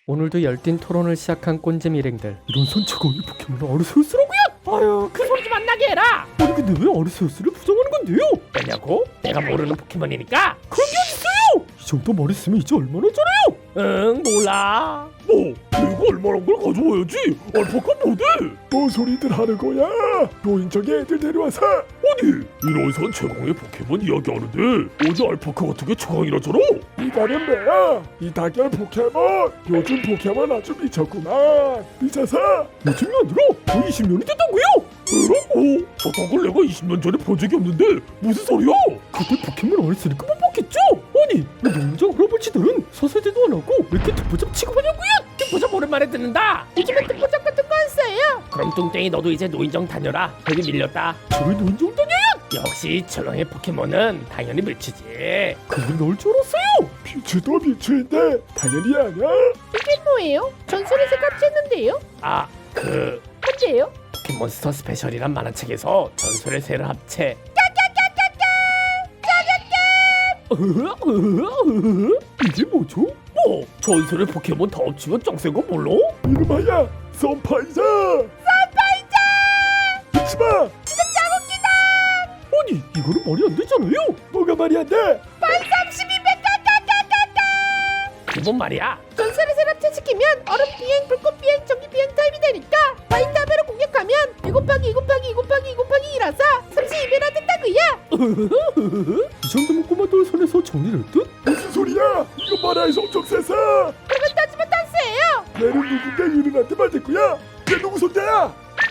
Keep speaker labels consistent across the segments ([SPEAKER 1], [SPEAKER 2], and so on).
[SPEAKER 1] 오늘도 열띤 토론을 시작한 꼰잼 일행들. 이런 선체가 이 포켓몬은 아르세우스라고요?
[SPEAKER 2] 아유 그 소리 좀 안 나게 해라.
[SPEAKER 1] 아니 근데 왜 아르세우스를 부정하는 건데요?
[SPEAKER 2] 왜냐고? 내가 모르는 포켓몬이니까.
[SPEAKER 1] 그런 게 어딨어요? 이 정도 말했으면 이제 얼마나 잘해요?
[SPEAKER 2] 응 몰라.
[SPEAKER 3] 뭐? 내가 얼마나 걸 가져와야지. 알파카 뭐대? 뭐 소리들 하는 거야? 노인정에 애들 데려와서. 아니 이런선 최강의 포켓몬 이야기하는데 어제 알파카 같은 게 최강이라잖아. 이달은 뭐야? 이 달걀 포켓몬 요즘 포켓몬 아주 미쳤구만. 미쳐서
[SPEAKER 1] 요즘이 아니라 거의 20년이 됐다고요?
[SPEAKER 3] 뭐라고? 저딴 걸 내가 20년 전에 본 적이 없는데 무슨 소리야?
[SPEAKER 1] 그때 포켓몬 안 했으니까 못 봤겠죠? 아니 왜 농장 할아버지들은 서세대도 안 하고 왜 이렇게 듣보잡 취급하냐고요?
[SPEAKER 2] 듣보잡 오랜만에 듣는다. 요즘에 듣보잡 같은 거 안 써요. 그럼 뚱땡이 너도 이제 노인정 다녀라. 여기 밀렸다.
[SPEAKER 1] 저희 농장 다녀요?
[SPEAKER 2] 역시 최강의 포켓몬은 당연히 밀치지.
[SPEAKER 1] 그걸 넣을 줄 알았어요.
[SPEAKER 3] 비추도 비추인데 당연히 아냐?
[SPEAKER 4] 이게 뭐예요? 전설에서 합쳤는데요?
[SPEAKER 2] 아 그
[SPEAKER 4] 언제요?
[SPEAKER 2] 포켓몬스터 스페셜이란 만화책에서 전설의 새를 합체.
[SPEAKER 1] 이게 뭐죠?
[SPEAKER 2] 뭐 전설의 포켓몬 다 합치면 짱센 거 몰라?
[SPEAKER 3] 이름하야 썬파이자. 썬파이자. 잊지마.
[SPEAKER 1] 아니 이거는 말이 안 되잖아요.
[SPEAKER 3] 뭐가 말이 안 돼?
[SPEAKER 2] 그건 말이야.
[SPEAKER 4] 전설에서 합체시키면 얼음 비행, 불꽃 비행, 전기 비행 타입이 되니까 바인다베로 공격하면 2 곱하기 2 곱하기 2 곱하기 2 곱하기 2라서 32배나 된다고요.
[SPEAKER 1] 이 정도면 꼬마돌 손에서 정리를 듯?
[SPEAKER 3] 무슨 소리야? 이거 만화에서 엄청 세서.
[SPEAKER 4] 그러면 따지면 딴스예요.
[SPEAKER 3] 얘는 누군가 유능한테 만들 거야. 얘 누구 손자야?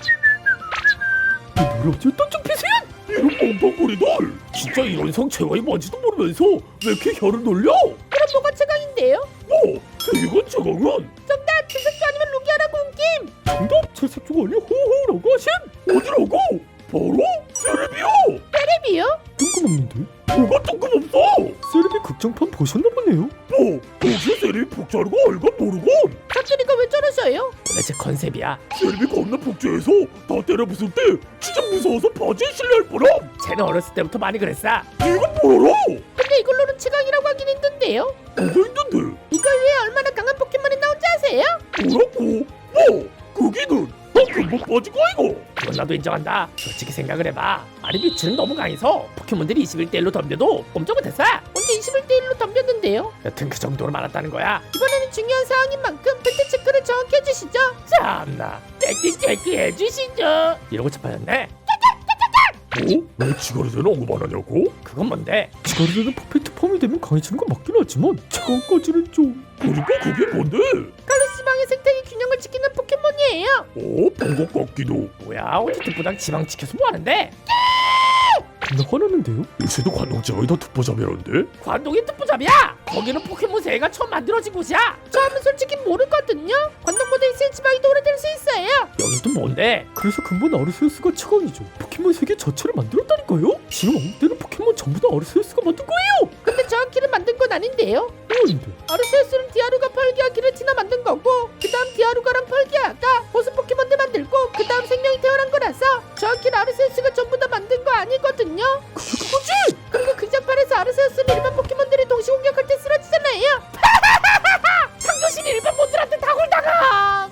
[SPEAKER 1] 뭘 어쨌든 좀 피세요?
[SPEAKER 3] 이런 멍텅구리들. 진짜 이런 성 최강이 뭔지도 모르면서 왜 이렇게 혀를 놀려?
[SPEAKER 4] 그럼 뭐가 최강인데요?
[SPEAKER 3] 뭐? 세계관 최강은?
[SPEAKER 4] 정답! 주석주 아니면 루기아라고 온 김!
[SPEAKER 1] 정답 찰색조가 아니라 호호라고 하신?
[SPEAKER 3] 어디라고? 바로? 세레비요!
[SPEAKER 4] 테레비요?
[SPEAKER 1] 뜬금없는데?
[SPEAKER 3] 뭐가 뜬금없어?
[SPEAKER 1] 세레비 극장판 보셨나 보네요.
[SPEAKER 3] 뭐? 혹시 세레비 복제하는 거 알건 모르건?
[SPEAKER 4] 사투리가 왜 저러셔요?
[SPEAKER 2] 도대체 컨셉이야.
[SPEAKER 3] 세레비 겁나 복제해서 다 때려 부술 때 진짜 무서워서 바지에 실려할 뻔함.
[SPEAKER 2] 쟤는 어렸을 때부터 많이 그랬어.
[SPEAKER 3] 이거 뭐라?
[SPEAKER 4] 근데 이걸로는 최강이라고 하긴 힘든데요?
[SPEAKER 3] 뭐가 있는데?
[SPEAKER 4] 이걸 위해 얼마나 강한 포켓몬이 나온지 아세요?
[SPEAKER 3] 뭐라고? 뭐? 거기는 나 금방 빠지고 이거.
[SPEAKER 2] 그건 나도 인정한다. 솔직히 생각을 해봐. 아니 미츠는 너무 강해서 포켓몬들이 21대1로 덤벼도 꼼짝 못했어.
[SPEAKER 4] 언제 21대1로 덤볐는데요?
[SPEAKER 2] 여튼 그 정도로 많았다는 거야.
[SPEAKER 4] 이번에는 중요한 사항인 만큼 팩트 체크를 정확히 해주시죠.
[SPEAKER 2] 참나 팩트 체크 해주시죠. 이러고 자빠졌네.
[SPEAKER 3] 뭐? 왜 지가리대는 언급 안 하냐고?
[SPEAKER 2] 그건 뭔데?
[SPEAKER 1] 지가리되는 퍼펙트 폼이 되면 강해지는 건 맞긴 하지만 차가운까지는 좀...
[SPEAKER 3] 그러니까 그게 뭔데?
[SPEAKER 4] 칼로스 지방의 생태계 균형을 지키는 포켓몬이에요.
[SPEAKER 3] 본것 같기도.
[SPEAKER 2] 뭐야 어디 듣보당 지방 지켜서 뭐하는데?
[SPEAKER 1] 겁나 화나는데요?
[SPEAKER 3] 요새도 관동지방이 더 듣보잡이라는데?
[SPEAKER 2] 관동이 듣보잡이야. 거기는 포켓몬 세계가 처음 만들어진 곳이야.
[SPEAKER 4] 저는 솔직히 모르거든요. 관동보다 1cm 지방이 더 오래될 수 있어요.
[SPEAKER 2] 여긴 또 뭔데?
[SPEAKER 1] 그래서 근본 아르세우스가 최강이죠. 포켓몬 세계 자체를 만들었다니까요? 지금 언급되는 포켓몬 전부 다 아르세우스가 만든 거예요!
[SPEAKER 4] 근데 정확히는 만든 건 아닌데요.
[SPEAKER 1] 아닌데
[SPEAKER 4] 아르세우스는 디아루가 펄기와 기르티나 만든 거고 그 다음 디아루가랑 펄기아가 보스 포켓몬들 만들고 그 다음 생명이 태어난 거라서 정확히는 아르세우스가 전부 다 만든 거 아니거든요.
[SPEAKER 1] 그거지!
[SPEAKER 4] 그리고 극장판에서 아르세우스는 일반 포켓몬들이 동시 공격할 때 쓰러지잖아요.
[SPEAKER 2] 창조신 일반 몬들한테 다굴다가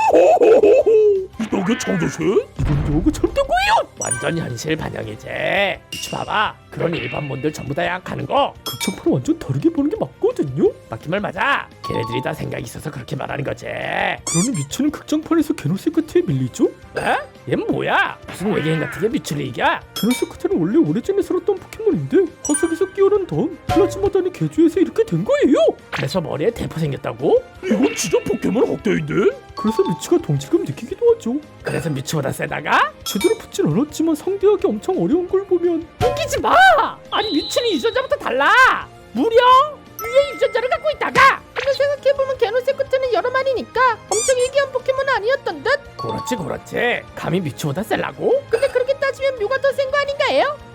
[SPEAKER 3] 이런 게 창조신?
[SPEAKER 1] 이건 너무 잘못된 거예요!
[SPEAKER 2] 완전 현실 반영이지. 미치 봐봐. 그런 일반 몬들 전부 다 약하는 거
[SPEAKER 1] 극장판을 완전 다르게 보는 게 맞거든요?
[SPEAKER 2] 맞긴 말 맞아. 걔네들이 다 생각이 있어서 그렇게 말하는 거지.
[SPEAKER 1] 그러니 미츠는 극장판에서 게노세크트에 밀리죠?
[SPEAKER 2] 에? 얘 뭐야? 무슨 외계인 같은 게 미츠를 이겨?
[SPEAKER 1] 게노세크트는 원래 오래전에 살았던 포켓몬인데 화석에서 끼어난 다음 플라즈마단이 개조해서 이렇게 된 거예요!
[SPEAKER 2] 그래서 머리에 대포 생겼다고?
[SPEAKER 3] 이건 진짜 포켓몬 학대인데?
[SPEAKER 1] 그래서 미츠가 동질감 느끼기도 하죠.
[SPEAKER 2] 그래서 미츠보다 세다가?
[SPEAKER 1] 제대로 붙진 않았지만 상대하기 엄청 어려운 걸 보면
[SPEAKER 2] 웃기지 마! 아니 미츠는 유전자부터 달라! 무려 위에 유전자를 갖고 있다가!
[SPEAKER 4] 근데 생각해보면 게노세크트는 여러 마리니까 엄청 일기한 포켓몬은 아니었던 듯?
[SPEAKER 2] 그렇지 감히 미츠보다 셀라고?
[SPEAKER 4] 근데 그렇게 따지면 묘가 더 센 거 아닌가요?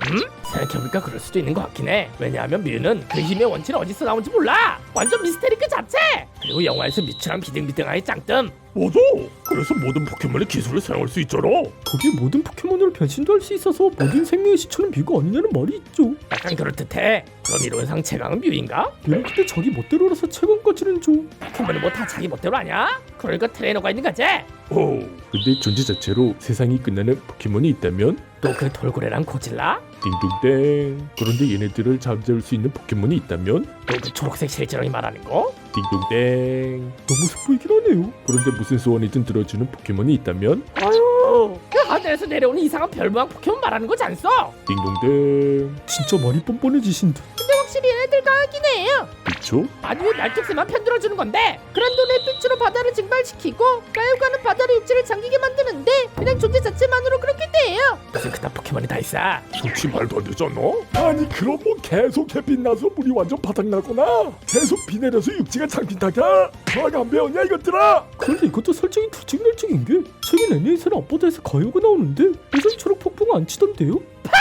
[SPEAKER 2] 생각해보니까 그럴 수도 있는 것 같긴 해. 왜냐하면 뮤는 그 힘의 원천이 어디서 나온지 몰라. 완전 미스테리 그 자체. 그리고 영화에서 미추랑 비등비등하게 짱뜸.
[SPEAKER 3] 맞아. 그래서 모든 포켓몬의 기술을 사용할 수 있잖아.
[SPEAKER 1] 거기에 모든 포켓몬으로 변신도 할 수 있어서 모든 생명의 시초는 뮤가 아니냐는 말이 있죠.
[SPEAKER 2] 약간 그럴듯해. 그럼 이론상 최강은 뮤인가?
[SPEAKER 1] 얘는 근데 자기 멋대로라서 최강까지는 좀.
[SPEAKER 2] 포켓몬이 뭐 다 자기 멋대로 아냐? 그러니까 트레이너가 있는 거지.
[SPEAKER 3] 근데 존재 자체로 세상이 끝나는 포켓몬이 있다면
[SPEAKER 2] 또 그 돌고래랑 고질라?
[SPEAKER 3] 띵동댕. 그런데 얘네들을 잠재울 수 있는 포켓몬이 있다면
[SPEAKER 2] 또 그 초록색 실제령이 말하는 거?
[SPEAKER 3] 띵동댕.
[SPEAKER 1] 너무 슬프이긴 하네요.
[SPEAKER 3] 그런데 무슨 소원이든 들어주는 포켓몬이 있다면
[SPEAKER 2] 아유, 그 하늘에서 내려오는 이상한 별모양 포켓몬 말하는 거지 않소?
[SPEAKER 3] 띵동댕.
[SPEAKER 1] 진짜 많이 뻔뻔해지신 듯.
[SPEAKER 4] 근데 확실히 얘네들 강하긴 해요.
[SPEAKER 3] 그쵸?
[SPEAKER 2] 아니 왜 날뚝새만 편들어주는 건데?
[SPEAKER 4] 그란돈의 빛으로 바다를 증발시키고 가요가는 바다의 육지를 잠기게 만드는데 그냥 존재 자체만으로 그렇게 돼요.
[SPEAKER 2] 무슨 그딴 포켓몬이 다 있어?
[SPEAKER 3] 솔직히 말도 안 되지 않나? 아니 그럼 뭐 계속 햇빛 나서 물이 완전 바닥나거나 계속 비 내려서 육지가 잠긴다가 과학 안 배웠냐 이것들아?
[SPEAKER 1] 그런데 이것도 설정이 들쭉날쭉인 게 최근 애니에이션은 앞바다에서 가요가 나오는데 예전처럼 폭풍 안 치던데요?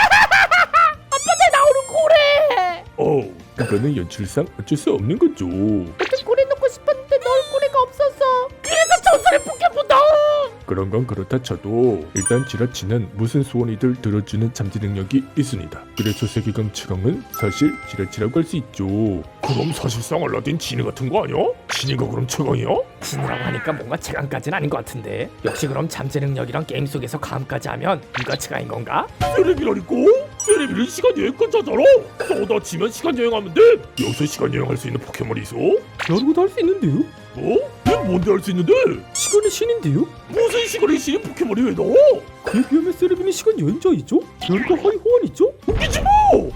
[SPEAKER 2] 고래!
[SPEAKER 3] 그거는 연출상 어쩔 수 없는 거죠.
[SPEAKER 4] 어떤 고래 놓고 싶었는데 넣을 고래가 없어서.
[SPEAKER 2] 그래서 전설의 포켓몬다!
[SPEAKER 3] 그런 건 그렇다 쳐도 일단 지라치는 무슨 소원이들 들어주는 잠재 능력이 있습니다. 그래서 세계관 최강은 사실 지라치라고 할 수 있죠. 그럼 사실상 알라딘 지니 같은 거 아니야? 지니가 그럼 최강이야?
[SPEAKER 2] 진이라고 하니까 뭔가 최강까지는 아닌 것 같은데. 역시 그럼 잠재 능력이랑 게임 속에서 감까지 하면 누가 최강인 건가?
[SPEAKER 3] 세레비라니까? 세레비는 시간 여행권 자잖아. 쏟아지면 시간 여행하면 돼. 여기서 시간 여행할 수 있는 포켓몬이 있어?
[SPEAKER 1] 디아루가도 할 수 있는데요?
[SPEAKER 3] 뭐? 얘 뭔데 할 수 있는데?
[SPEAKER 1] 시간의 신인데요?
[SPEAKER 3] 무슨 시간의 신인 포켓몬이 왜 나와?
[SPEAKER 1] 그에 비하면 세레빈이 시간 여행자이죠? 디아루가 하위 호환이죠?
[SPEAKER 3] 웃기지 뭐!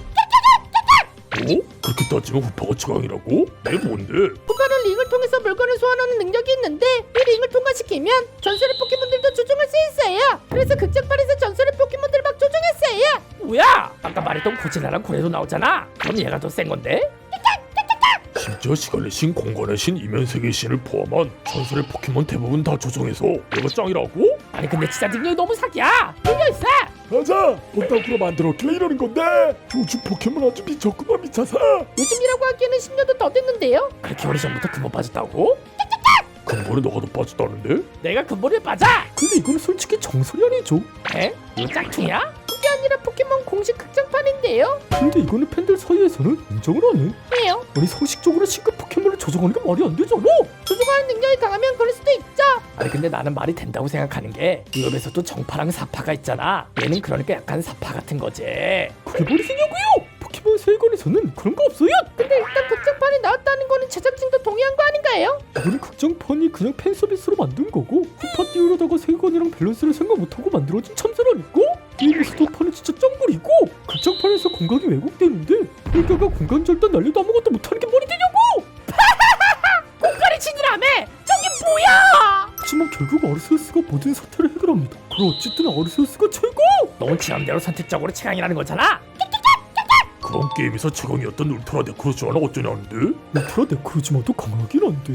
[SPEAKER 3] 그렇게 따지면 후파가 최강이라고? 내 뭔데?
[SPEAKER 4] 후가는 링을 통해서 물건을 소환하는 능력이 있는데 이 링을 통과시키면 전설의 포켓몬들도 조종할 수 있어요. 그래서 극장판에서 전설의 포켓몬들 막 조종했어요.
[SPEAKER 2] 뭐야? 아까 말했던 고질라랑 고래도 나오잖아. 그럼 얘가 더 센 건데?
[SPEAKER 3] 심지어 시간의 신, 공간의 신, 이면세계의 신을 포함한 전설의 포켓몬 대부분 다 조정해서 내가 짱이라고?
[SPEAKER 2] 아니 근데 진짜 능력이 너무 사기야. 밀려있어.
[SPEAKER 3] 맞아! 본따구로 만들었길래 이러는 건데 요즘 포켓몬 아주 미쳤구만 미쳐서.
[SPEAKER 4] 요즘이라고 하기에는 10년도 더 됐는데요.
[SPEAKER 2] 그렇게 오래전부터 근본 빠졌다고?
[SPEAKER 3] 근본에 너가 더 빠졌다는데?
[SPEAKER 2] 내가 근본에 빠져?
[SPEAKER 1] 근데 이거는 솔직히 정설이 아니죠.
[SPEAKER 2] 에? 이거 짝퉁이야?
[SPEAKER 4] 그게 아니라 포켓몬 공식 극장판인데요.
[SPEAKER 1] 근데 이거는 팬들 사이에서는 인정을 안 해.
[SPEAKER 4] 왜요?
[SPEAKER 1] 아니 상식적으로 신급 포켓몬을 조종하는 게 말이 안 되잖아.
[SPEAKER 4] 조종하는 능력이 강하면 그럴 수도 있죠.
[SPEAKER 2] 아니 근데 나는 말이 된다고 생각하는 게 위협에서도 정파랑 사파가 있잖아. 얘는 그러니까 약간 사파 같은 거지.
[SPEAKER 1] 그게 말이 되냐고요? 포켓몬 세계관에서는 그런 거 없어요.
[SPEAKER 4] 근데 일단 극장판이 나왔다는 거는 제작진도 동의한 거 아닌가요?
[SPEAKER 1] 이거는 극장판이 그냥 팬 서비스로 만든 거고 후파 띄우려다가 세계관이랑 밸런스를 생각 못하고 만들어진 참사라니까? 게임에서도 판은 진짜 짱구리고 극장판에서 공간이 왜곡되는데 헬가가 공간 절단 날려도 아무것도 못하는 게 말이 되냐고!
[SPEAKER 2] 공간이 진이라며! 저게 뭐야!
[SPEAKER 1] 하지만 결국 아르세우스가 모든 사태를 해결합니다. 그럼 어쨌든 아르세우스가 최고!
[SPEAKER 2] 넌 지맘대로 선택적으로 최강이라는 거잖아.
[SPEAKER 3] 그런 게임에서 최강이었던 울트라 네크로즈와는 어쩌냐는데?
[SPEAKER 1] 울트라 네크로즈마도 강하긴 한데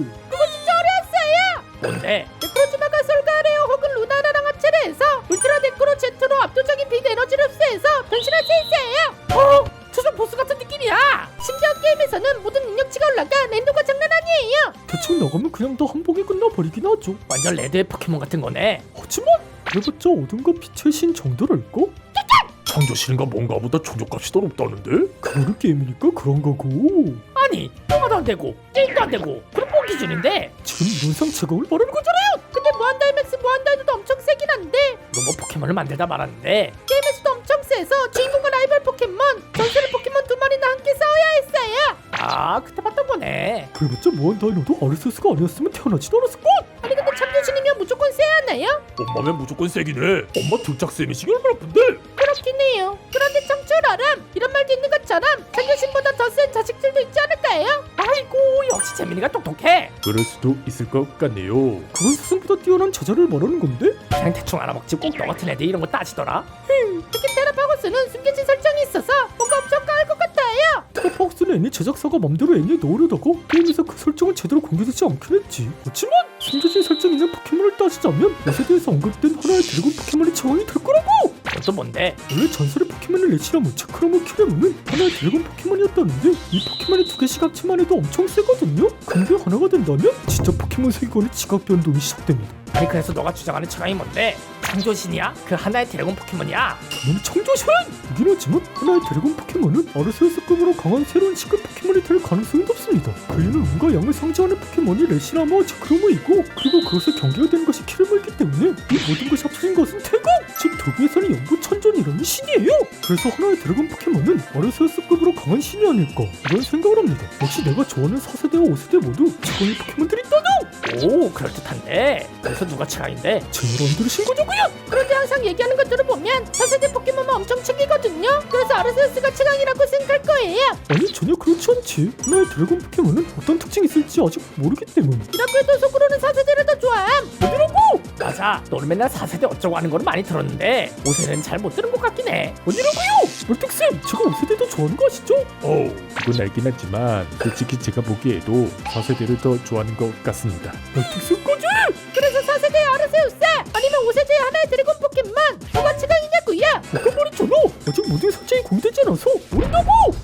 [SPEAKER 2] 뭔데?
[SPEAKER 4] 네크로즈마가 솔가레오 혹은 루나라랑 합체를 해서 울트라 네크로 제트로 압도적인 빛 에너지를 흡수해서 변신할 수 있어요.
[SPEAKER 2] 초전 보스 같은 느낌이야.
[SPEAKER 4] 심지어 게임에서는 모든 능력치가 올라가 랜도가 장난 아니에요.
[SPEAKER 1] 대충 나가면 그냥 다 한 방에 끝나버리긴 하죠.
[SPEAKER 2] 완전 레드의 포켓몬 같은 거네.
[SPEAKER 1] 하지만 그래봤자 어둠과 빛의 신 정도랄까?
[SPEAKER 3] 창조신인가 뭔가보다 총조값이 더 높다는데?
[SPEAKER 1] 그거는 게임이니까 그런 거고
[SPEAKER 2] 아니 통화도 안 되고 게임도 안 되고 그럼 뭐 기준인데?
[SPEAKER 1] 지금 이론상 최강을 말하는 거잖아요.
[SPEAKER 4] 근데 무한다이맥스 무한다이도 엄청 세긴 한데
[SPEAKER 2] 너 뭐 포켓몬을 만들다 말았는데
[SPEAKER 4] 게임에서도 엄청 세서 주인공과 라이벌 포켓몬 전설의 포켓몬 두 마리나 함께 싸워야 했어요.
[SPEAKER 2] 아 그때 봤던 거네.
[SPEAKER 1] 그래봤자 무한다이노도 아르세우스가 아니었으면 태어나지도 않았을걸?
[SPEAKER 4] 아니 근데 참조신이면 무조건 세야 하나요?
[SPEAKER 3] 엄마면 무조건 세긴 해. 엄마 등짝쌤이시기 얼마나 아픈데?
[SPEAKER 4] 그렇긴 해요. 그런데 청출아람 이런 말도 있는 것처럼 참조신보다 더 센 자식들도 있지 않을까요?
[SPEAKER 2] 아이고 역시 재민이가 똑똑해.
[SPEAKER 3] 그럴 수도 있을 것 같네요.
[SPEAKER 1] 그건 스승보다 뛰어난 제자를 말하는 건데?
[SPEAKER 2] 그냥 대충 알아먹지 꼭 너 같은 애들 이런 거 따지더라.
[SPEAKER 4] 특히 테라파고스는 숨겨진 설정이 있어서 뭔가 엄청 강할 것 같아요.
[SPEAKER 1] 테라파고스는 애니 제작사가 맘대로 애니에 넣으려다가 게임에서 그 설정을 제대로 공개되지 않긴 했지. 그렇지만 숨겨진 설정 있는 포켓몬을 따지자면 이 세대에서 언급된 하나의 드래곤 포켓몬이 최강이 될 거라고!
[SPEAKER 2] 또 뭔데?
[SPEAKER 1] 원래 전설의 포켓몬을 레시라면 차크라모 키라모는 하나의 드래곤 포켓몬이었다는데 이 포켓몬이 2개씩 합치만 해도 엄청 세거든요. 근데 하나가 된다면 진짜 포켓몬 세계관의 지각 변동이 시작됩니다.
[SPEAKER 2] 아니 그래서 너가 주장하는 최강이 뭔데? 창조신이야? 그 하나의 드래곤 포켓몬이야?
[SPEAKER 1] 당연히 청조신! 이긴 하지만 하나의 드래곤 포켓몬은 아르세우스급으로 강한 새로운 시급 포켓몬이 될 가능성이 높습니다. 그이는 운과 양을 상징하는 포켓몬이 레시라마와 차크라모이고 그리고 그것을 경계가 되는 것이 키르모이기 때문에 이 모든 것이 합쳐진 것은 태공! 즉 도구에서는 영구천존이라는 신이에요! 그래서 하나의 드래곤 포켓몬은 아르세우스급으로 강한 신이 아닐까 이런 생각을 합니다. 역시 내가 좋아하는 4세대와 5세대 모두 최강의 포켓몬들이 있다뇨!
[SPEAKER 2] 오 그럴듯한데 그래서 누가 최강인데?
[SPEAKER 1] 제 말 안 들으신 거냐고요?
[SPEAKER 4] 그런데 항상 얘기하는 것들을 보면 4세대 포켓몬만 엄청 챙기거든요. 그래서 아르세우스가 최강이라고 생각할 거예요.
[SPEAKER 1] 아니 전혀 그렇지 않지. 하나의 드래곤 포켓몬은 어떤 특징이 있을지 아직 모르기 때문.
[SPEAKER 4] 이라고 해도 속으로는 4세대를 더 좋아함.
[SPEAKER 2] 맞아 너는 맨날 4세대 어쩌고 하는 거는 많이 들었는데 5세대는 잘 못 들은 것 같긴 해.
[SPEAKER 1] 멀뚝쌤 제가 5세대도 좋아하는 거 아시죠?
[SPEAKER 3] 그건 알긴 하지만 솔직히 제가 보기에도 4세대를 더 좋아하는 것 같습니다.
[SPEAKER 1] 멀뚝쌤까지?
[SPEAKER 4] 그래서 4세대의 아르세우스 아니면 5세대의 하나의 드래곤 포켓몬 누가 최강이냐고요?
[SPEAKER 1] 아까 말했잖아. 아직 모든 설정이 공개되지 않아서 모른다고.